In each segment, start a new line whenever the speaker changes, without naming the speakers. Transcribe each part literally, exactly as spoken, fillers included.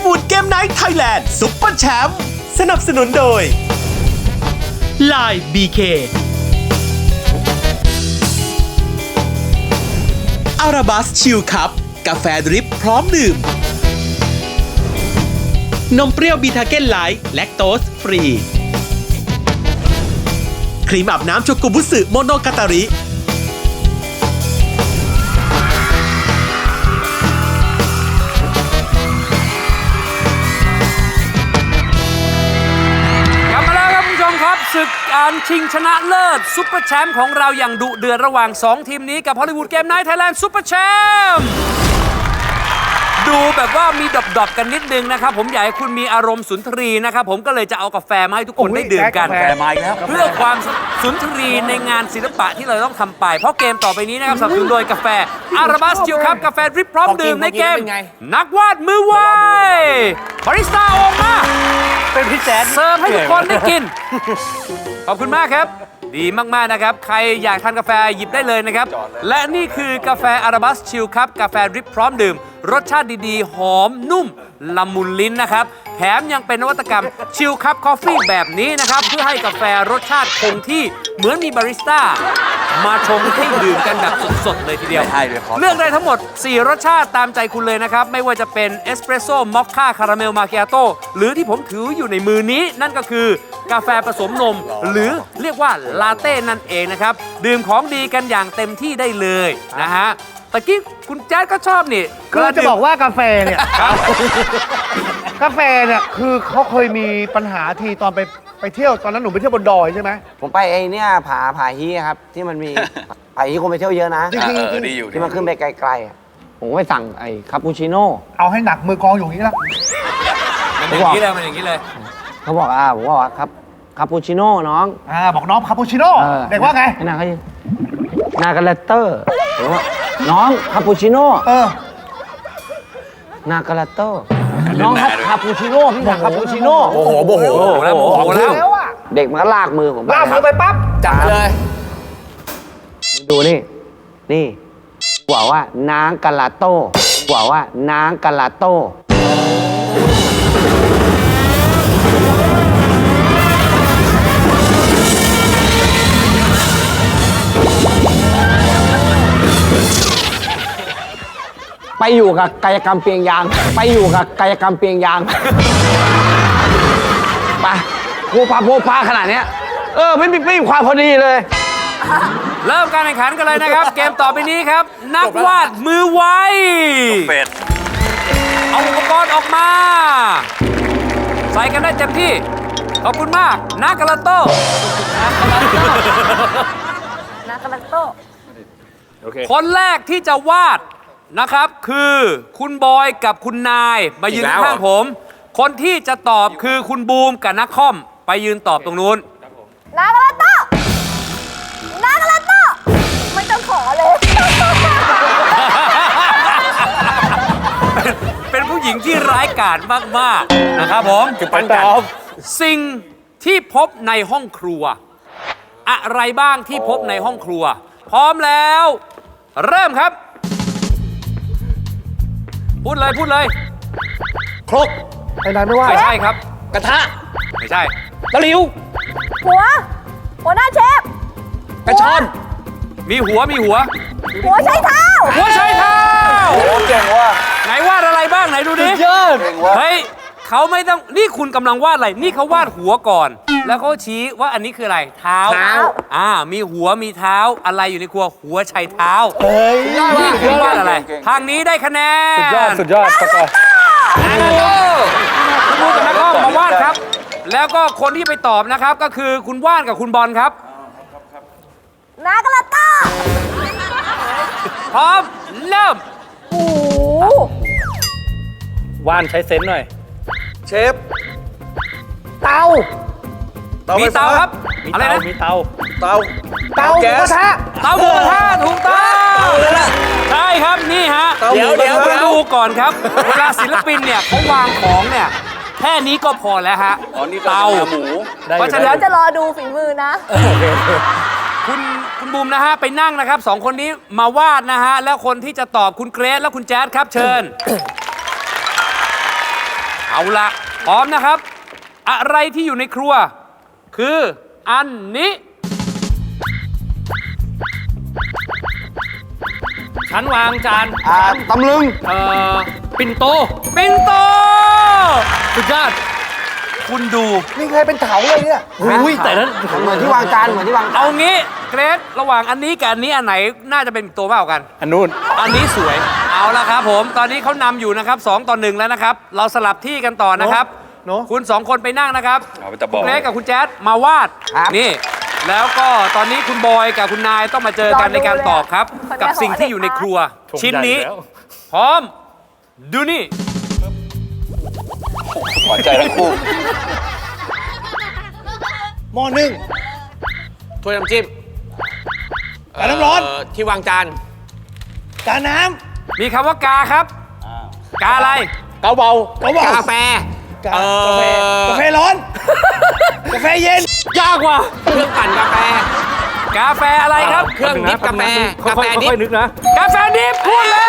วูดเกมไนท์ไทยแลนด์ซุปเปอร์แชมป์สนับสนุนโดย ไลน์ บี เค อาราบัสชิลคัพกาแฟดริปพร้อมดื่มนมเปรี้ยวบีทาเก้นไลท์แลคโตสฟรีครีมอาบน้ำโชกุบุสึโมโนกาตาริ
ศึกการชิงชนะเลิศซุปเปอร์แชมป์ของเราอย่างดุเดือดระหว่างสองทีมนี้กับฮอลลีวูดเกมไนท์ไทยแลนด์ซุปเปอร์แชมป์ดูแบบว่ามีดอบๆกันนิดนึงนะครับผมอยากให้คุณมีอารมณ์สุนทรีนะครับผมก็เลยจะเอากาแฟมาให้ทุกคนได้ดื่มกัน
กาแฟมาอีกแล้ว
เพื่อความสุนทรีในงานศิลปะที่เราต้องทำไปเพราะเกมต่อไปนี้นะครับสนับสนุนโดยกาแฟอาราบัสจิลครับกาแฟดริปพร้อมดื่มในเกมนักวาดมือไวบาริสต้าออกมา
เป็นพี่แจ๊ด
เสิร์ฟให้ทุกคนได้กิน ขอบคุณมากครับ ดีมากๆนะครับใครอยากทานกาแฟหยิบได้เลยนะครับและนี่คือกาแฟอาราบัสชิลครับกาแฟดริปพร้อมดื่มรสชาติดีๆหอมนุ่มละมุนลิ้นนะครับแถมยังเป็นนวัตกรรมชิลคัพคอฟฟี่แบบนี้นะครับเพื่อให้กาแฟรสชาติคงที่เหมือนมีบาริสต้ามาชงให้ดื่มกันแบบสดๆเลยทีเดียวเลือกได้ทั้งหมดสี่รสชาติตามใจคุณเลยนะครับไม่ว่าจะเป็นเอสเปรสโซ่มอคค่าคาราเมลมาคิอาโต้หรือที่ผมถืออยู่ในมือนี้นั่นก็คือกาแฟผสมนมหรือเรียกว่าลาเต้นั่นเองนะครับดื่มของดีกันอย่างเต็มที่ได้เลยนะฮะตะกี้คุณแจ๊ดก็ชอบนี่
คือจะบอกว่ากาแฟเนี่ย กาแฟเนี่ยคือเขาเคยมีปัญหาทีตอนไปไปเที่ยวตอนนั้นหนูไปเที่ยวบนดอยใช่ไหม
ผมไปไอ้เนี่ยผาผาฮีครับที่มันมี ผาฮีคนไปเที่ยวเยอะนะ
จริงๆ
เออดีอยู่
ที่มันขึ้นไปไกลๆอะผมก็ไปสั่งไอ้คาปูชิโน่
เอาให้หนักมือกองอยู่อย่างนี้แล้ว
มันอย่างนี้เลยมันอย่างนี้เลย
เขาบอกอ่าผมบอกว่าครับคาปูชิโน่น้อง
อ่าบอกน้องคาปูชิโน่
ออ
เด็กว่าไง
นางเขานากาเลเตอร์ผมว่าน้องคาปูชิโน่
เออ
นากาเลเตอร์น้องครับคาปูชิโน่พี่สั่งคาปูชิโน่
โอ้โหโมโห
โอ้โหแล้วโมโหแล้ว
แล้วอ่ะ
เด็กมันก็ลากมือผมไป
ลากมือไปปั๊บ
จับเลย
ดูนี่นี่บอกว่านางกาลาโต้บอกว่านางกาลาโต้ไปอยู่กับกายกรรมเปียงยางไปอยู่กับกายกรรมเปียงยางไปโพพาโพพาขนาดเนี้ยเออไม่มีไม่มีความพอดีเลย
เริ่มการแข่งขันกันเลยนะครับ เกมต่อไปนี้ครับ นักวาดมือไว
เป็ด
เอาอุปกรณ์ออกมา ใส่กันได้เต็มที่ ขอบคุณมากนากาลาโต้นากาลาโต้คนแรกที่จะวาดนะครับคือคุณบอยกับคุณนายมายืนข้างผม คนที่จะตอบคือคุณบูมกับนักคอมไปยืนตอบตรงนู้น
นากาลาโต้นากาลาโต้ไม่ต้องขอเลย
เป็นผู้หญิงที่ร้ายกาจมากๆนะครับผม
คือปันกัน
สิ่งที่พบในห้องครัว อะไรบ้างที่พบในห้องครัว พร้อมแล้ว เริ่มครับ พูดเลยพูดเลย
ครก
ไอ้นายไม่ว่า
ไม่ใช่ครับ
กระทะ
ไม่ใช่
ตะหลิว
หัว หัวหน้าเชฟ
กระชอน
มีหัวมีหัว
หัวใช้เท้า
หัวใช้เท้า
โอ้เก่งว่ะ
ไหนวาดอะไรบ้างไหนดูดิ
เยอะเก่งว่ะ
เฮ้ยเขาไม่ต้องนี่คุณกำลังวาดอะไรนี่เขาวาดหัวก่อน แล้วเขาชี้ว่าอันนี้คืออะไรเท้า
เท้า
อ่ามีหัวมีเท้าอะไรอยู่ในครัวหัวใช้เท้า
เฮ้ย
นี่คือวาดอะไร ทางนี้ได้คะแนน
สุดยอดสุดยอดตะกอ
คุณบูกับนักอ้อมมาวาดครับ แล้วก็คนที่ไปตอบนะครับก็คือคุณว่านกับคุณบอลครับ
นากาลาโต้
พร้อมเริ่ม
โอ้โห
ว่านใช้เซนส์หน่อย
เชฟ
เตา
มีเตาครับ
มี
อะไร
เตา
นะ
มีเตา
เตา
เตาหมู
แก๊
ก
ส
ระทะ
เตาหมูกระทะถูกต้องใช่ครับนี่ฮะ
เตาหมู
เดี๋ยว
กระทะ
เดี๋ยวดูก่อนครับ เวลาศิลปินเนี่ยเขาวางของเนี่ยแค่นี้ก็พอแล้วฮะ
อ๋อนี่
เตา
หมู
ได้อยู่
เพราะฉะ
เดี๋
นั้
ยวน จะรอดูฝีมือนะ
คุณคุณบูมนะฮะไปนั่งนะครับสองคนนี้มาวาดนะฮะแล้วคนที่จะตอบคุณเกรซและคุณแจ๊ดครับเชิญเอาละพร้อมนะครับ อะไรที่อยู่ในครัว คืออันนี้
ชั้นวางจาน
อ่าตำลึง
เอ่อ ปิ่นโต
ปิ่นโต
สุดยอด
คุณดู
นี่ใครเป็นเถาเลยเนี่ย
อุ้ยแต่นั้น
เหมือนที่วางจานเหมือนที่วางจาน
เอางี้เกรซระหว่างอันนี้กับอันนี้อันไหนน่าจะเป็นตัวมากกว่ากัน
อันนู้น
อันนี้สวย เอาละครับผม ตอนนี้เขานำอยู่นะครับสองต่อหนึ่งแล้วนะครับ เราสลับที่กันต่อนะครับ
เนอะ
คุณสองคนไปนั่งนะครับ
เอาไปตะบอก
คุณเกรซกับคุณแจ๊ดมาวาด นี่ แล้วก็ตอนนี้คุณบอยกับคุณนายต้องมาเจอกันในการตอบครับ กับสิ่งที่อยู่ในครัว ชิ้นนี้ พร้อม ดูนี่
หวานใจทั้งคู่
หม้อนึ่ง
ถ้วยน้ำจิ้ม
กาน้ำร้อน
เที่วางจาน
กาน้
มีคำว่ากาครับ กาอะไร
เกาเบา
ำกาเบาก
าแฟ
กา
เอ่อก
าแฟกาแฟร้อน กาแฟเย็น
ยากว่ะเครื่องปั่นกาแฟ
กาแฟอะไรครับ
เครื่องดิฟกาแฟ
ค่
กาแฟ
อยๆ
ดิฟ
ค่อยๆนึกนะ
กาแฟดิบพูดแล้ว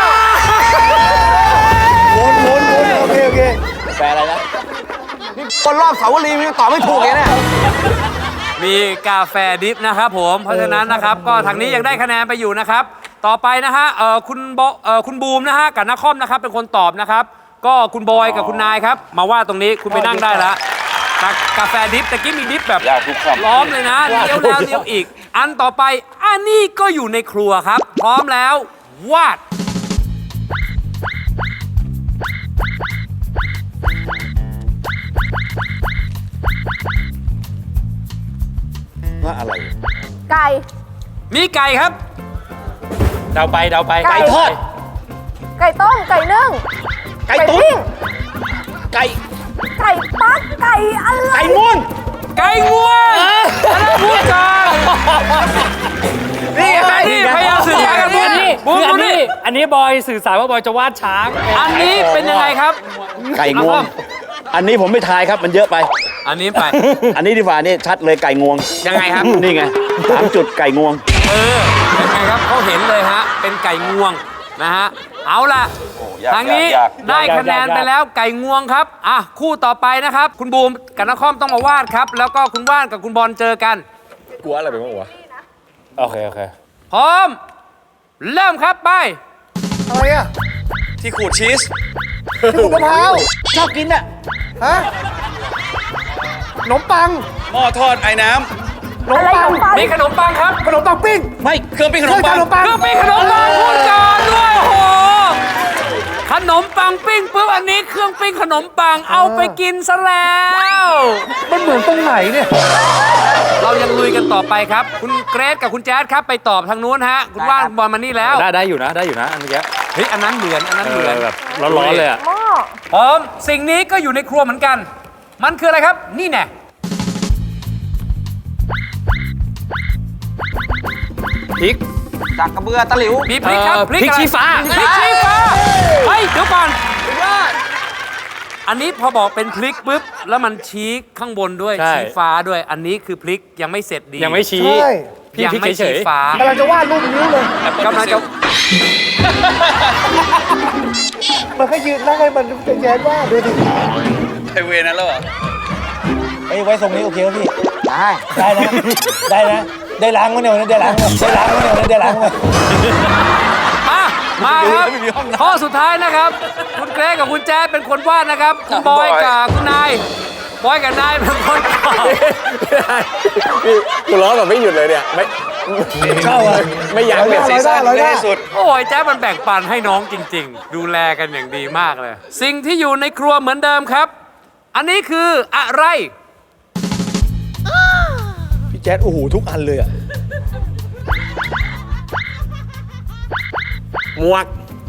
วนวนวนโอเค โอเค
แปลอะไรนะ นี่คนรอบเสาวรีมันยังตอบไม่ถูกเลยเนี่ย
มีกาแฟดิฟนะครับผม เพราะฉะนั้นนะครับ ก็ทางนี้ยังได้คะแนนไปอยู่นะครับ ต่อไปนะฮะเอ่อคุณโบเอ่อคุณบูมนะฮะกับนักคอมนะครับเป็นคนตอบนะครับ ก็คุณบอยกับคุณนายครับ มาว่าตรงนี้คุณไปนั่งได้แล้วกากาแฟดิฟตะกี้มีดิฟแบบ
ยากทุกคำ
ล้อมเลยนะเลี้ยวแล้วเลี้ยวอีก อันต่อไปอันนี้ก็อยู่ในครัวครับ พร้อมแล้ววาด
ว่าอะไร
ไก่
มีไก่ครับ
เดาไปเดาไป
ไก่ทอด ไก่ต้ม ไก่นึ่ง
ไก่ตุ๋น
ปิ้ง
ไก่
ไก่ปักไก่อะไร
ไก่ม่วง
ไก่งวงอันนั้นพูดกัน
นี่ไง
นี่พยายามสื่อสารกันพูด
อันนี้
บูม
คืออั
ดู
นนี้
นี่
อันนี้บอยสื่อสารว่าบอยจะวาดช้าง
อันนี้เป็นยังไงครับ
ไก่งวง อันนี้ผมไม่ทายครับ มันเยอะไป
อันนี้ไป
อันนี้ดีกว่านี่ชัดเลยไก่งวง
ยังไงครับ
นี่ไงสามจุดไก่งวง
เออเป็นไงครับเขาเห็นเลยฮะ เป็นไก่งวงนะฮะ เอาล่ะ
ยาก
ทางนี้
ยาก
ได้คะแนนไปแล้วไก่งวงครับ อ่ะ คู่ต่อไปนะครับ คุณบูมกับนักคอมต้องมาวาดครับ แล้วก็คุณว่านกับคุณบอลเจอกัน
กลัวอะไรไปบ้างวะ
โอเค โอเค
พร้อม เริ่มครับไป
อะไรอ่ะ
ที่ขูดชีส
ที่ขูดมะพร้าว ชอบกินอ่ะ ฮะ ขนมปัง
หม้อทอดไอ้น้
ขนมปัง
มีขนมปังครับ
ขนมปังปิ้ง
ำ ไม่เครื่องปิ้งขนม
เค
ปั
รื่อง
ง
ขนมปัง
เครื่องปิ้งขนมปังพูดก่อนด้วยโอ้โห ขนมปังปิ้งปุ๊บอันนี้เครื่องปิ้งขนมปังเอาไปกินซะแล้ว
มันเหมือนตรงไหนเนี่ย
เรายังลุยกันต่อไปครับ คุณเกรซกับคุณแจ๊ดครับไปตอบทางนู้นฮะ คุณว่านบอลมานี่แล้ว
ได้ได้อยู่นะ ได้อยู่นะ อันเมื่อกี้
เฮ้ยอันนั้นเหมือนอันนั้น
เอ
เหมื
อ
อน
แบบร้อนๆเลยอ่ะ
หม้อ
พร้อมสิ่งนี้ก็อยู่ในครัวเหมือนกัน มันคืออะไรครับ นี่แน่
พริก
จากกระเบือตะหลิว
มีพริกครับ
เอ่อพริก
อะไร
ชี้ฟ้า
พริกชี้ฟ้าเฮ้ยเดี๋ยวก่อนอันนี้พอบอกเป็นพริกปุ๊บแล้วมันชี้ข้างบนด้วย
ใช่
ชี้ฟ้าด้วย อันนี้คือพริกยังไม่เสร็จดี
ยังไม่ชี้
ใช่
พี่
ยัง
พริก
ไม่
เฉ
ชี้
ย
ฟ้าก
ำลังจะวาดรูปนิ้วเลย
กำลังจะ
มันก็ยืนนั่งให้มันจะแย้มว่าดูดิ
ไอเวรนั้นแล้วเหรอ
ไอ้ไว้ทรงนี้โอเคไหมพี่
ได้
ได้นะ ได้นะ ได้ล้างมั้ยเนี่ยวันนี้ได้ล้างมั้ยได้ล้างมั้ยเนี่ยวันนี้ได้ล้างมั้ย
มามาครับข้อสุดท้ายนะครับ คุณเกรซกับคุณแจ๊ดเป็นคนวาดนะครับ คุณบอยกับคุณนายบอยกับนายเป็นคนตอบ
กูร้องแบบไม่หยุดเลยเนี่ย ไม่
เข้าอ่ะ
ไม่ยั้งเลย
ร้อยได้ร้อยได้
สุด
โอ้ยแจ๊ดมันแบ่งปันให้น้องจริง ๆ ดูแลกันอย่างดีมากเลย สิ่งที่อยู่ในครัวเหมือนเดิมครับ อันนี้คืออะไร
พี่แจ๊ดโอ้โหทุกอันเลยอ่ะ
หมวก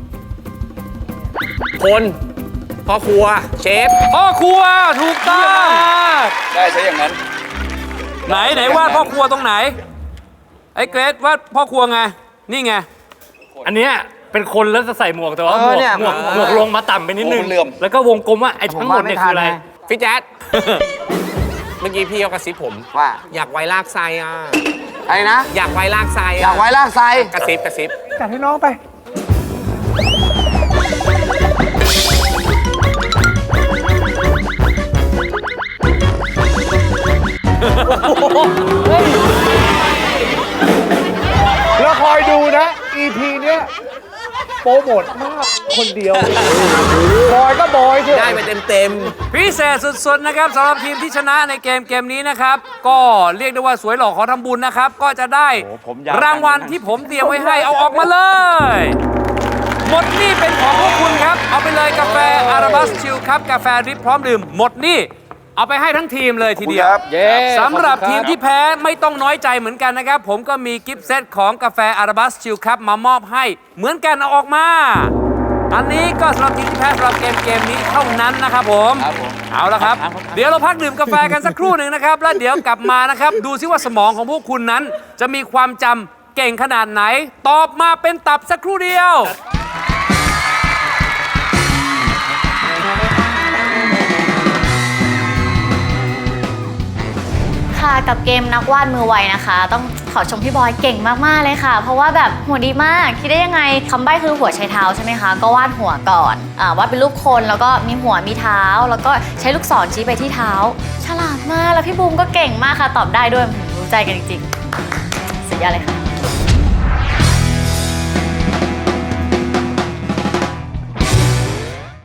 คนพ่อครัว เชฟ
พ่อครัวถูกต้อง
ได้ซะอย่างนั้น
ไหนไหนวาดพ่อครัวตรงไหน ไอ้เกรซวาดพ่อครัวไง นี่ไง
อันเนี้ยเป็นคนแล้วจะใส่หมวกแต่ว่าหมวกหมวกหมวกลงมาต่ำไปนิดนึง
โอ้เหลื่อม
แล้วก็วงกลมว่าไอ้ทั้งหมดเนี่ยคืออะไร
พี่แจ๊ด เมื่อกี้พี่เขากระซิบผม
ว่า
อยากไว้ลากไซอ่ะ
อะไรนะ
อยากไว้ลากไซ
อยากไว้ลากไซ
กระซิบกระซิบ
จัดให้น้องไปแล้วคอยดูนะ อี พี เนี้ยโปรโมทมากคนเดียวบอยก็บอยเถอะ
ได้ไปเต็ม
พิเศษสุดๆนะครับสำหรับทีมที่ชนะในเกมเกมนี้นะครับ ก็เรียกได้ว่าสวยหล่อขอทำบุญนะครับ ก็จะได้รางวัลที่ผมเตรียมไว้ให้เอาออกมาเลย หมดนี่เป็นของพวกคุณครับ เอาไปเลยกาแฟอาราบัสชิลครับกาแฟดริปพร้อมดื่มหมดนี่เอาไปให้ทั้งทีมเลยทีเดียวสำหรับทีมที่แพ้ไม่ต้องน้อยใจเหมือนกันนะครับ ผมก็มีกิฟต์เซตของกาแฟอาราบัสชิลครับมามอบให้เหมือนกันเอาออกมา อันนี้ก็สำหรับทีมที่แพ้สำหรับเกมเกมนี้เท่านั้นนะครับผมเอาละครับ เดี๋ยวเราพักดื่มกาแฟกันสักครู่หนึ่งนะครับ แล้วเดี๋ยวกลับมานะครับ ดูซิว่าสมองของพวกคุณนั้น จะมีความจำเก่งขนาดไหน ตอบมาเป็นตับสักครู่เดียว
ค่ะกับเกมนักวาดมือไวนะคะ ต้องขอชมพี่บอยเก่งมากๆเลยค่ะ เพราะว่าแบบหัวดีมากคิดได้ยังไงคำใบ้คือหัวใช้เท้าใช่ไหมคะก็วาดหัวก่อนอ่าวาดเป็นรูปคนแล้วก็มีหัวมีเท้า แล้วก็ใช้ลูกศรชี้ไปที่เท้า ฉลาดมากแล้วพี่บูมก็เก่งมากค่ะตอบได้ด้วยรู้ใจกันจริงๆสุดยอดเลยค่ะ